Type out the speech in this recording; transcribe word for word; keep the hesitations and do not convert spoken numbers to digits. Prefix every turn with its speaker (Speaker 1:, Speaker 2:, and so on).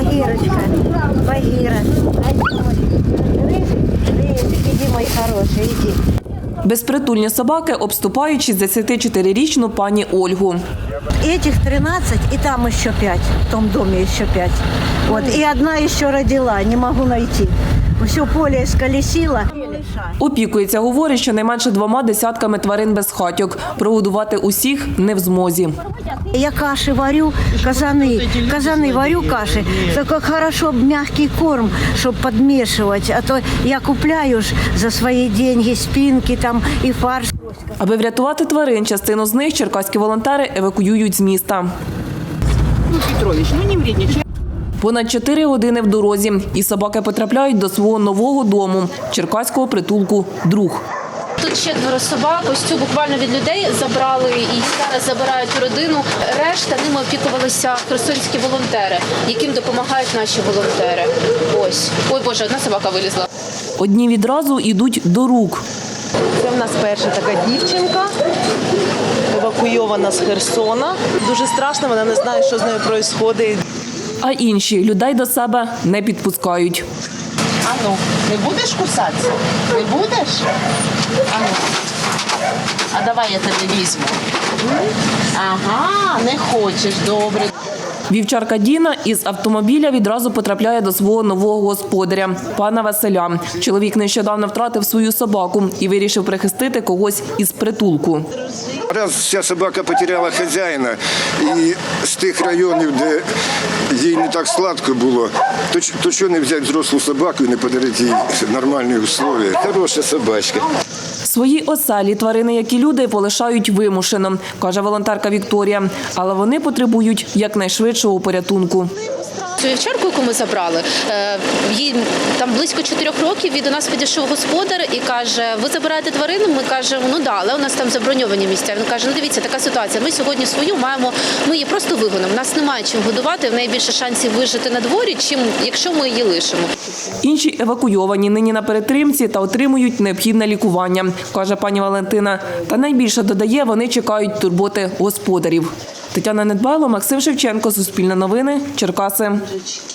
Speaker 1: Багірочка, Багіра. Іди, мой хороший, іди.
Speaker 2: Безпритульні собаки обступають шістдесятичотирирічну пані Ольгу.
Speaker 1: Этих тринадцать, и там еще пять, в том доме еще пять. Вот, и одна еще родила, не могу найти. Все поле исколесило.
Speaker 2: Опікується, говорить, що найменше двома десятками тварин безхатьок. Прогодувати усіх не в змозі.
Speaker 1: Я каши варю, казаны, казаны варю каши. Так как хорошо мягкий корм, чтобы подмешивать. А то я купляю ж за свои деньги спинки там и фарш.
Speaker 2: Аби врятувати тварин, частину з них черкаські волонтери евакуюють з міста.
Speaker 3: Ну, Петрович, ну не вредничай.
Speaker 2: Понад чотири години в дорозі, і собаки потрапляють до свого нового дому – черкаського притулку «Друг».
Speaker 4: Тут четверо собак, ось цю буквально від людей забрали і зараз забирають у родину. Решта ними опікувалися херсонські волонтери, яким допомагають наші волонтери. Ось. Ой, Боже, одна собака вилізла.
Speaker 2: Одні відразу йдуть до рук.
Speaker 3: Це в нас перша така дівчинка, евакуйована з Херсона. Дуже страшно, вона не знає, що з нею відбувається.
Speaker 2: А інші людей до себе не підпускають.
Speaker 3: Ану, не будеш кусатися? Не будеш? Ану. А давай я тебе візьму. Ага, не хочеш, добре.
Speaker 2: Вівчарка Діна із автомобіля відразу потрапляє до свого нового господаря – пана Василя. Чоловік нещодавно втратив свою собаку і вирішив прихистити когось із притулку.
Speaker 5: Раз ця собака потеряла хазяїна, і з тих районів, де їй не так сладко було, то, то чого не взяти взрослу собаку і не подарити їй нормальні умови? Хороша собачка.
Speaker 2: Свої оселі тварини, як і люди, полишають вимушено, каже волонтерка Вікторія. Але вони потребують якнайшвидшого порятунку.
Speaker 4: Цю вівчарку, яку ми забрали, їй там близько чотирьох років, і до нас підійшов господар і каже, ви забираєте тварину? Ми кажемо, ну да, але у нас там заброньовані місця. Він каже, ну дивіться, така ситуація, ми сьогодні свою маємо, ми її просто вигонимо, у нас немає чим годувати, в неї більше шансів вижити на дворі, чим якщо ми її лишимо.
Speaker 2: Інші евакуйовані нині на перетримці та отримують необхідне лікування, каже пані Валентина. Та найбільше додає, вони чекають турботи господарів. Тетяна Недбайло, Максим Шевченко, Суспільне новини, Черкаси.